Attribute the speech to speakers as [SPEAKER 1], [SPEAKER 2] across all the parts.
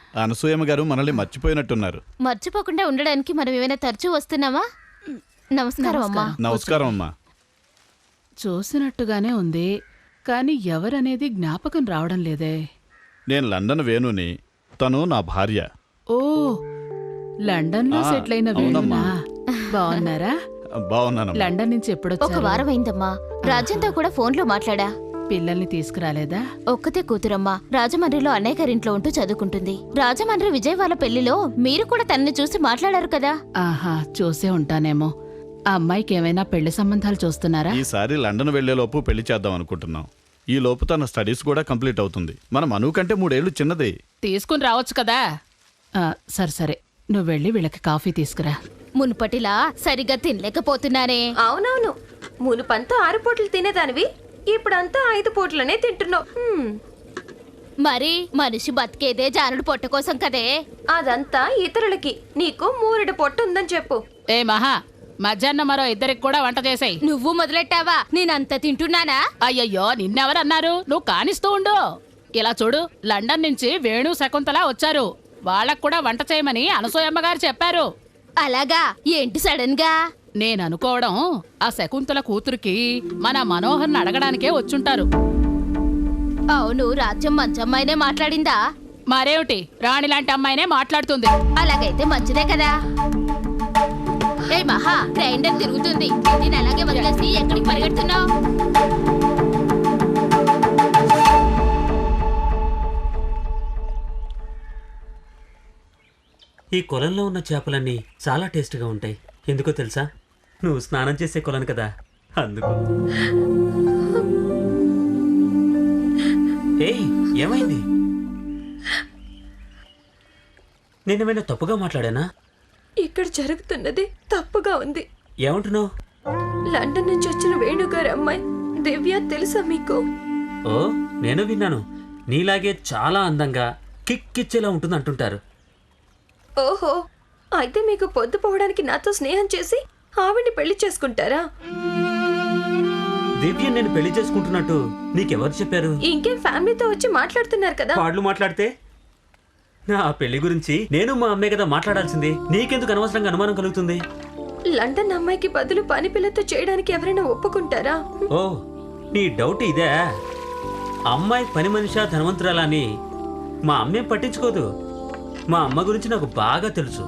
[SPEAKER 1] అనసూయమ్మ గారు మనల్ని మర్చిపోయినట్టున్నారు.
[SPEAKER 2] మర్చిపోకుండా ఉండడానికి మనం ఏమైనా తరచూ వస్తున్నావా? నమస్కారం అమ్మా.
[SPEAKER 1] నమస్కారం అమ్మా.
[SPEAKER 3] చూసినట్టుగానే ఉంది, కానీ ఎవరనేది జ్ఞాపకం రావడం లేదే.
[SPEAKER 1] నేను లండన్ వేణుని, తను నా భార్య.
[SPEAKER 3] ఓ, లండన్ లో సెటిల్ అయిన వేణునా? బాగున్నారా?
[SPEAKER 1] బాగున్నాను.
[SPEAKER 3] లండన్ నుంచి
[SPEAKER 2] ఒక
[SPEAKER 3] ఎప్పుడొచ్చారు?
[SPEAKER 2] వారం అయిందమ్మా. రాజ్యంతో కూడా ఫోన్లో మాట్లాడా.
[SPEAKER 3] పిల్లల్ని తీసుకురాలేదా?
[SPEAKER 2] ఒక్కతే కూతురమ్మా. రాజమండ్రిలో అన్నయ్య గారింట్లో ఉంటూ చదువుకుంటుంది. రాజమండ్రి విజయ్ వాళ్ళ పెళ్లిలో మీరు కూడా తనని చూసి మాట్లాడారు కదా.
[SPEAKER 3] ఆహా, చూసే ఉంటానేమో. ఆ అమ్మాయికి ఏమైనా పెళ్లి సంబంధాలు చూస్తున్నారా?
[SPEAKER 1] ఈసారి లండన్ వెళ్లేలోపు పెళ్లి చేద్దాం అనుకుంటున్నాం. ఈ లోపు తన స్టడీస్ కూడా కంప్లీట్ అవుతుంది. మన మను కంటే 3 ఏళ్లు చిన్నది.
[SPEAKER 3] తీసుకుని రావచ్చు కదా. సరే సరే, నువ్వు వెళ్ళి వీళ్ళకి కాఫీ తీసుకురా.
[SPEAKER 2] మునుపటిలా సరిగ్గా తినలేకపోతున్నానే.
[SPEAKER 4] అవునవును, మునుపంతా 6 పూటలు తినేదానివి, ఇప్పుడంతా 5 పూటలనే తింటున్నావు.
[SPEAKER 2] మరి మనిషి బతికేదే జానుడు పొట్ట కోసం కదే.
[SPEAKER 4] అదంతా ఇతరులకి, నీకు 3 పొట్టు ఉందని చెప్పు.
[SPEAKER 3] ఏ మహా, మధ్యాహ్నం మరో 2 కూడా వంట చేసాయి.
[SPEAKER 2] నువ్వు మొదలెట్టావా? నేనంత తింటున్నానా?
[SPEAKER 3] అయ్యయ్యో, నిన్నెవరన్నారు? నువ్వు కానిస్తూ ఉండు. ఇలా చూడు, లండన్ నుంచి వేణు శకుంతల వచ్చారు. వాళ్ళకు కూడా వంట చేయమని అనసూయమ్మ గారు చెప్పారు.
[SPEAKER 2] అలాగా? ఏంటి సడన్ గా?
[SPEAKER 3] నేను అనుకోవడం, ఆ శకుంతల కూతురికి మన మనోహర్ని అడగడానికే వచ్చుంటారు.
[SPEAKER 2] అవును, రాజ్యం మంచి అమ్మాయినే మాట్లాడిందా?
[SPEAKER 3] మరేమిటి, రాణి లాంటి అమ్మాయినే మాట్లాడుతుంది.
[SPEAKER 2] అలాగైతే మంచిదే కదా. ఏ మహా, గ్రైండర్ తిరుగుతుంది. నేను అలాగే వదిలేసి ఎక్కడికి పరిగెడుతున్నావు?
[SPEAKER 5] ఈ కొలంలో ఉన్న చేపలన్నీ చాలా టేస్ట్గా ఉంటాయి. ఎందుకో తెలుసా? నువ్వు స్నానం చేసే కొలను కదా, అందుకు. ఏయ్, ఏమైంది? నేనేమైనా తప్పుగా మాట్లాడానా?
[SPEAKER 4] ఇక్కడ జరుగుతున్నది తప్పుగా ఉంది.
[SPEAKER 5] ఏమంటున్నావు?
[SPEAKER 4] లండన్ నుంచి వచ్చిన వేణుగారి అమ్మాయి దివ్య తెలుసా మీకు?
[SPEAKER 5] ఓ, నేను విన్నాను. నీలాగే చాలా అందంగా కిక్కిచ్చేలా ఉంటుంది అంటుంటారు.
[SPEAKER 4] ఓహో, అయితే మీకు పొద్దుపోవడానికి నాతో స్నేహం చేసి ఆవిడ్ని పెళ్లి చేసుకుంటారా?
[SPEAKER 5] దివ్య నేను పెళ్లి చేసుకుంటున్నట్టు నీకెవరు చెప్పారు?
[SPEAKER 4] ఇంకేం, ఫ్యామిలీతో వచ్చి మాట్లాడుతున్నారు కదా.
[SPEAKER 5] వాళ్ళు మాట్లాడితే నా పెళ్లి గురించి నేను మా అమ్మే కదా మాట్లాడాల్సింది. నీకెందుకు అనవసరంగా అనుమానం కలుగుతుంది?
[SPEAKER 4] లండన్ అమ్మాయికి బదులు పని పిల్లతో చేయడానికి ఎవరైనా ఒప్పుకుంటారా?
[SPEAKER 5] ఓ, నీ డౌట్ ఇదే? అమ్మాయి పని మనిషా ధనవంతురాలా అని మా అమ్మేం పట్టించుకోదు. మా అమ్మ గురించి నాకు బాగా తెలుసు.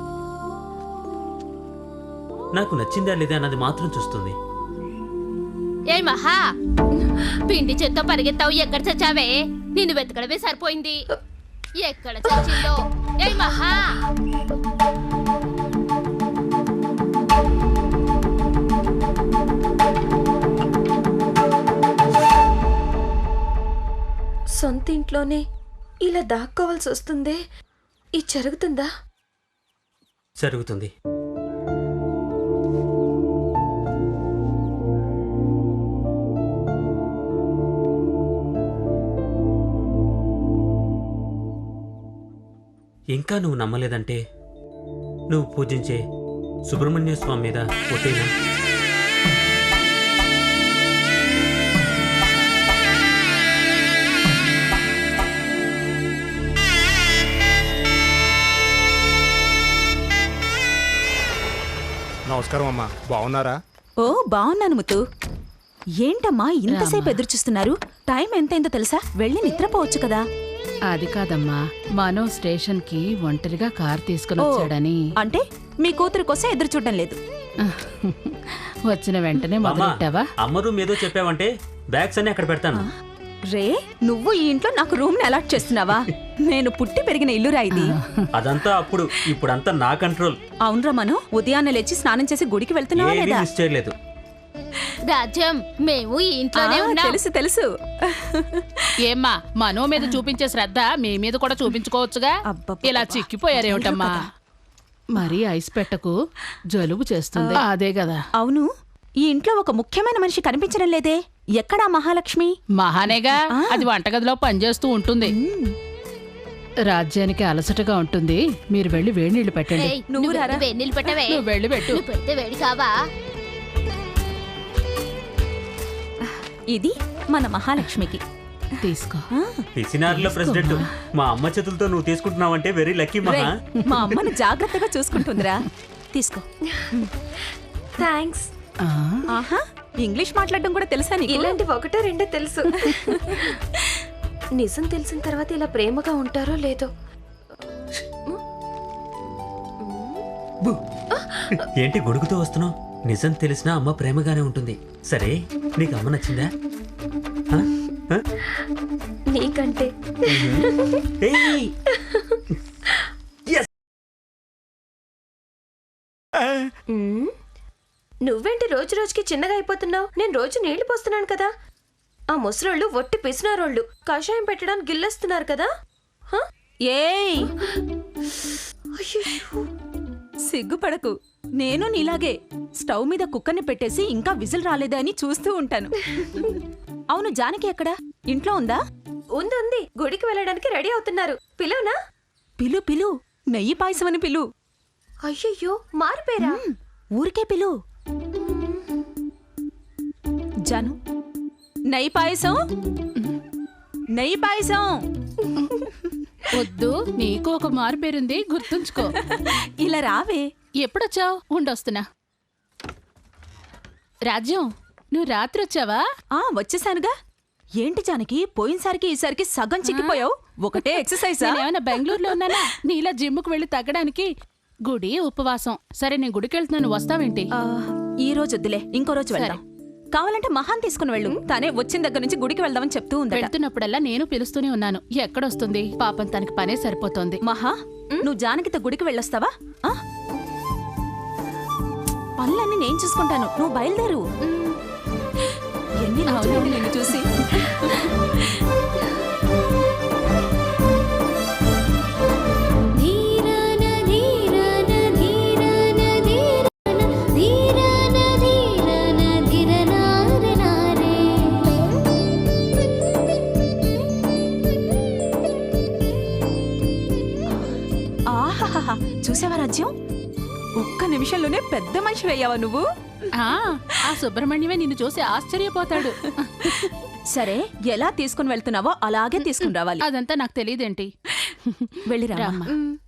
[SPEAKER 5] నాకు నచ్చిందా లేదా అన్నది మాత్రం చూస్తుంది.
[SPEAKER 2] ఏ మహా, పిండి చేత్తో పరిగెత్తావు, ఎక్కడ చచ్చావే? నిన్ను వెతకడమే సరిపోయింది. ఎక్కడ చచ్చిందో? ఏ మహా,
[SPEAKER 4] సొంత ఇంట్లోనే ఇలా దాక్కోవాల్సి వస్తుందే, ఇది జరుగుతుందా?
[SPEAKER 5] జరుగుతుంది. ఇంకా నువ్వు నమ్మలేదంటే నువ్వు పూజించే సుబ్రహ్మణ్య స్వామి మీద ఒట్టేనా?
[SPEAKER 6] నమస్కారం అమ్మా, బాగున్నారా?
[SPEAKER 7] ఓ, బాగున్నాను ముత్తు. ఏంటమ్మా ఇంతసేపు ఎదురుచూస్తున్నారు? టైం ఎంతైందో తెలుసా? వెళ్ళి నిద్రపోవచ్చు కదా.
[SPEAKER 3] అది కాదమ్మా, మనో స్టేషన్ కి ఒంటరిగా కార్ తీసుకుని వచ్చాడని.
[SPEAKER 7] అంటే మీ కూతురు కోసం ఎదురు చూడడం లేదు.
[SPEAKER 3] వచ్చిన వెంటనే మొదలెట్టావా?
[SPEAKER 5] అమ్మ రూమ్ ఏదో చెప్పావంటే బ్యాగ్స్ అన్ని అక్కడ పెడతాను.
[SPEAKER 7] రే, నువ్వు ఈ ఇంట్లో నాకు రూమ్ ని అలాట్ చేస్తున్నావా? నేను పుట్టి పెరిగిన ఇల్లురా ఇది.
[SPEAKER 5] అదంతా అప్పుడు, ఇప్పుడంతా నా కంట్రోల్.
[SPEAKER 7] అవునరా మను, ఉదయాన్నే లేచి స్నానం చేసి గుడికి వెళ్తున్నావా
[SPEAKER 5] ఏమీ
[SPEAKER 7] లేదా?
[SPEAKER 5] మిస్ చేయలేదు.
[SPEAKER 2] రాజ్యం, మేము ఈ ఇంట్లోనే ఉన్నాం.
[SPEAKER 7] తెలుసు తెలుసు.
[SPEAKER 3] ఏమ్మా, మనో మీద చూపించే శ్రద్ధ మీ మీద కూడా చూపించుకోవచ్చుగా. ఇలా చిక్కిపోయారేమిటమ్మా? మరీ ఐస్ పెట్టకు, జలుబు చేస్తుంది. అదే కదా.
[SPEAKER 7] అవును, ఈ ఇంట్లో ఒక ముఖ్యమైన మనిషి కనిపించడం లేదే. ఎక్కడా మహాలక్ష్మి?
[SPEAKER 3] మహానేగా, అది వంటగదిలో పనిచేస్తూ ఉంటుంది. రాజ్యానికి అలసటగా ఉంటుంది. మీరు వెళ్ళి వేడి నీళ్లు పెట్టండి.
[SPEAKER 2] ఏయ్, నువ్వు వేడి నీళ్ళు పెట్టవే.
[SPEAKER 3] నువ్వు వెళ్ళి పెట్టు.
[SPEAKER 2] నువ్వు పెడితే వేడి కావా?
[SPEAKER 7] ఇది మన మహాలక్ష్మికి.
[SPEAKER 3] తీసుకో.
[SPEAKER 5] పిసినారుల ప్రెసిడెంట్ మా అమ్మ చేతులతో నువ్వు తీసుకుంటున్నావంటే వెరీ లక్కీ మహా.
[SPEAKER 7] రేయ్, మా అమ్మను జాగ్రత్తగా చూసుకుంటుందిరా. తీసుకో.
[SPEAKER 4] థ్యాంక్స్.
[SPEAKER 3] ఆ,
[SPEAKER 7] ఆహా, ఇంగ్లీష్ మాట్లాడడం కూడా తెలుసా నీకు?
[SPEAKER 4] ఇలాంటివి ఒకటో రెండో తెలుసు. నిజం తెలిసిన తర్వాత ఇలా ప్రేమగా ఉంటారో లేదో.
[SPEAKER 5] ఏంటి గొడుగుతో వస్తున్నావు? నిజం తెలిసినా అమ్మ ప్రేమగానే ఉంటుంది. సరే, నీకు అమ్మ నచ్చిందా? ఆ? ఆ?
[SPEAKER 4] నీకంటే
[SPEAKER 5] ఏయ్!
[SPEAKER 4] మ్మ్. నువ్వేంటి రోజు రోజుకి చిన్నగా అయిపోతున్నావు? నేను రోజు నీళ్లు పోస్తున్నాను కదా. ఆ ముసలోళ్ళు ఒట్టి పిసినారోళ్ళు కషాయం పెట్టడానికి గిల్లేస్తున్నారు కదా. హ?
[SPEAKER 7] ఏయ్,
[SPEAKER 4] అయ్యయ్యో.
[SPEAKER 7] సిగ్గుపడకు. నేను నీలాగే స్టవ్ మీద కుక్కర్ని పెట్టేసి ఇంకా విజిల్ రాలేదా అని చూస్తూ ఉంటాను. అవును, జానకి ఎక్కడా? ఇంట్లో ఉందా?
[SPEAKER 4] ఉంది గుడికి వెళ్ళడానికి రెడీ అవుతున్నారు. పిలవనా?
[SPEAKER 7] పిలు పిలు, నెయ్యి పాయసం అని పిలు.
[SPEAKER 4] అయ్యయ్యో, మారిపోయారా?
[SPEAKER 7] ఊరికే పిలు. జాను, నెయ్యి పాయసం, నెయ్యి పాయసం.
[SPEAKER 3] వద్దు, నీకు ఒక మారు పేరుంది, గుర్తుంచుకో.
[SPEAKER 7] ఇలా రావే.
[SPEAKER 3] ఎప్పుడొచ్చావు? ఉండొస్తున్నా. రాజ్యం, నువ్వు రాత్రి వచ్చావా?
[SPEAKER 7] వచ్చేసానుగా. ఏంటి జానకి, పోయినసారికి ఈసారికి సగం చిక్కిపోయావు. ఒకటే ఎక్సర్సైజా?
[SPEAKER 3] నేనేమైనా బెంగళూరులో ఉన్నానా నీలా జిమ్ముకు వెళ్ళి తగ్గడానికి? గుడి ఉపవాసం. సరే, నేను గుడికి వెళ్తున్నాను, వస్తావేంటి?
[SPEAKER 7] ఈ రోజు వద్దులే, ఇంకో రోజు వెళ్దాం. కావాలంటే మహాన్ తీసుకుని వెళ్ళు. తానే వచ్చిన దగ్గర నుంచి గుడికి వెళ్దామని చెప్తూ ఉంది.
[SPEAKER 3] వెళ్తున్నప్పుడల్లా నేను పిలుస్తూనే ఉన్నాను. ఎక్కడొస్తుంది పాపం, తనకి పనే సరిపోతోంది.
[SPEAKER 7] మహా, నువ్వు జానకితో గుడికి వెళ్ళొస్తావా? పనులన్నీ నేను చూసుకుంటాను, నువ్వు బయలుదేరు. ఎన్ని రోజులైంది నిన్ను చూసి. ఆహాహా, చూసావా రాజ్యం? ఒక్క నిమిషంలోనే పెద్ద మనిషి అయ్యావా నువ్వు.
[SPEAKER 3] ఆ సుబ్రహ్మణ్యమే నిన్ను చూసి ఆశ్చర్యపోతాడు.
[SPEAKER 7] సరే, ఎలా తీసుకుని వెళ్తున్నావో అలాగే తీసుకుని రావాలి.
[SPEAKER 3] అదంతా నాకు తెలియదేంటి?
[SPEAKER 7] వెళ్ళిరా.
[SPEAKER 3] రామ్మా.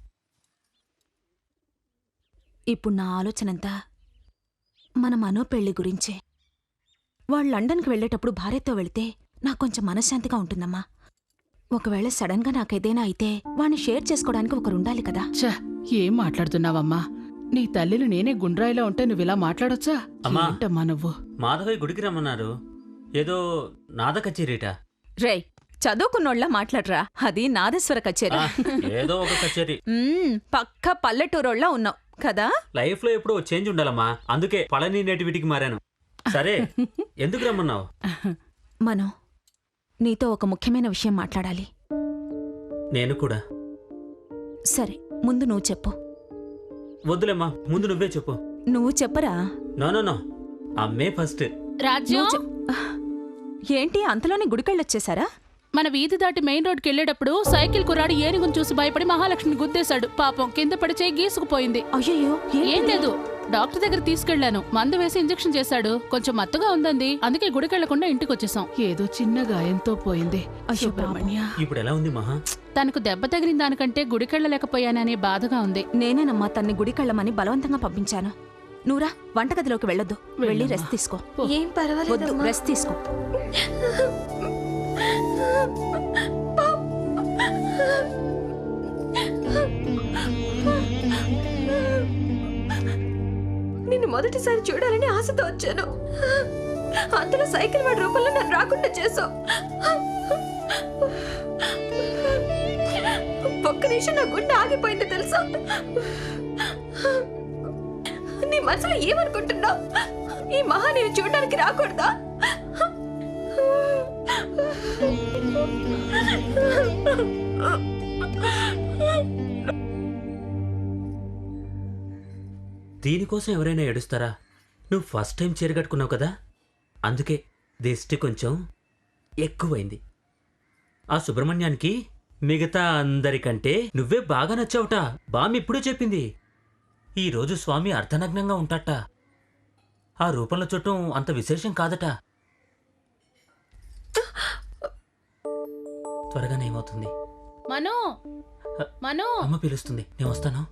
[SPEAKER 7] ఇప్పుడు నా ఆలోచనంతా మన మనో పెళ్లి గురించే. వాళ్ళు లండన్కి వెళ్ళేటప్పుడు భార్యతో వెళితే నాకు కొంచెం మనశ్శాంతిగా ఉంటుందమ్మా. ఒకవేళ సడన్ గా నాకేదైనా అయితే వాణ్ణి షేర్ చేసుకోవడానికి ఒకరుండాలి కదా.
[SPEAKER 3] ఛ, ఏం మాట్లాడుతున్నావమ్మా? నీ తల్లిని నేనే గుండ్రాయిలో ఉంటే నువ్విలా మాట్లాడొచ్చా?
[SPEAKER 5] అమ్మా.
[SPEAKER 3] ఏంటమ్మా నువ్వు?
[SPEAKER 5] మాధవయ్య గుడికి రమ్మన్నారు. ఏదో నాద కచేరీట.
[SPEAKER 7] రేయ్, చదువుకున్నోళ్ళ మాట్లాడరా, అది నాదేశ్వర కచేరీ.
[SPEAKER 5] ఏదో ఒక కచేరీ.
[SPEAKER 7] పక్క పల్లెటూరోళ్ళ ఉన్నావు కదా.
[SPEAKER 5] లైఫ్ లో ఎప్పుడో చేంజ్ ఉండాలమ్మా. అందుకే పళని నేటివిటికి మారాను. సరే, ఎందుకు రమ్మన్నావు?
[SPEAKER 7] మనో, నీతో ఒక ముఖ్యమైన విషయం మాట్లాడాలి.
[SPEAKER 5] నేను కూడా.
[SPEAKER 7] సరే, ముందు నువ్వు చెప్పు.
[SPEAKER 5] వద్దులేమ్మా, ముందు నువ్వే చెప్పు.
[SPEAKER 7] నువ్వు చెప్పరా.
[SPEAKER 5] నో, అమ్మే ఫస్ట్.
[SPEAKER 3] రాజ్యం,
[SPEAKER 7] ఏంటి అంతలోనే గుడికెళ్ళొచ్చేసారా?
[SPEAKER 3] మన వీధి దాటి మెయిన్ రోడ్కి వెళ్ళేటప్పుడు సైకిల్ కుర్రాడు ఏనుగును చూసి భయపడి మహాలక్ష్మిని గుద్దేశాడు. పాపం కింద పడి చేయి గీసుకుపోయింది.
[SPEAKER 7] అయ్యయ్యో,
[SPEAKER 3] ఏం లేదు, డాక్టర్ దగ్గర తీసుకెళ్లాను. మందు వేసి ఇంజెక్షన్ చేశాడు. కొంచెం మత్తుగా ఉందంది. అందుకే గుడికెళ్లకుండా ఇంటికి వచ్చేసాం. ఏదో చిన్న గాయంతో పోయింది. సుబ్రహ్మణ్య,
[SPEAKER 5] ఇప్పుడు ఎలా ఉంది మహా?
[SPEAKER 3] తనకు దెబ్బ తగిలిన దానికంటే గుడికెళ్ళలేకపోయాననే బాధగా ఉంది.
[SPEAKER 7] నేనేనమ్మా తన్ని గుడికెళ్ళమని బలవంతంగా పంపించాను. నువ్వురా, వంటగదిలోకి వెళ్ళొద్దు. వెళ్ళి రెస్ట్ తీసుకో.
[SPEAKER 4] ఏం
[SPEAKER 7] వద్దు,
[SPEAKER 4] పర్వాలేదు.
[SPEAKER 7] రెస్ట్ తీసుకో.
[SPEAKER 4] నిన్ను మొదటిసారి చూడాలని ఆశతో వచ్చాను. అంతలో సైకిల్ వాడి రూపంలో నన్ను రాకుండా చేసావు. ఒక్క నిమిషం నా గుండె ఆగిపోయింది తెలుసా? నీ మనసులో ఏమనుకుంటున్నావు? ఈ మహా నేను చూడడానికి రాకూడదా?
[SPEAKER 5] దీనికోసం ఎవరైనా ఏడుస్తారా? నువ్వు ఫస్ట్ టైం చీర కట్టుకున్నావు కదా, అందుకే దిష్టి కొంచెం ఎక్కువైంది. ఆ సుబ్రహ్మణ్యానికి మిగతా అందరికంటే నువ్వే బాగా నచ్చావుట. బామ్మ ఇప్పుడే చెప్పింది. ఈరోజు స్వామి అర్ధనగ్నంగా ఉంటాట. ఆ రూపంలో చూడటం అంత విశేషం కాదట. త్వరగానే ఏమవుతుంది?
[SPEAKER 3] మను మను
[SPEAKER 5] అమ్మ పిలుస్తుంది, నేను వస్తాను.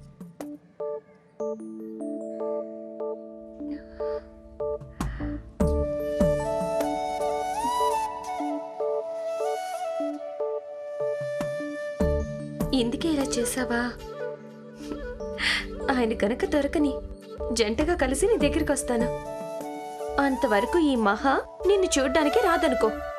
[SPEAKER 4] ఇందుకే ఇలా చేసావా? ఆయన కనుక దొరకని జంటగా కలిసి నీ దగ్గరికి వస్తాను. అంతవరకు ఈ మహా నిన్ను చూడ్డానికి రాదనుకో.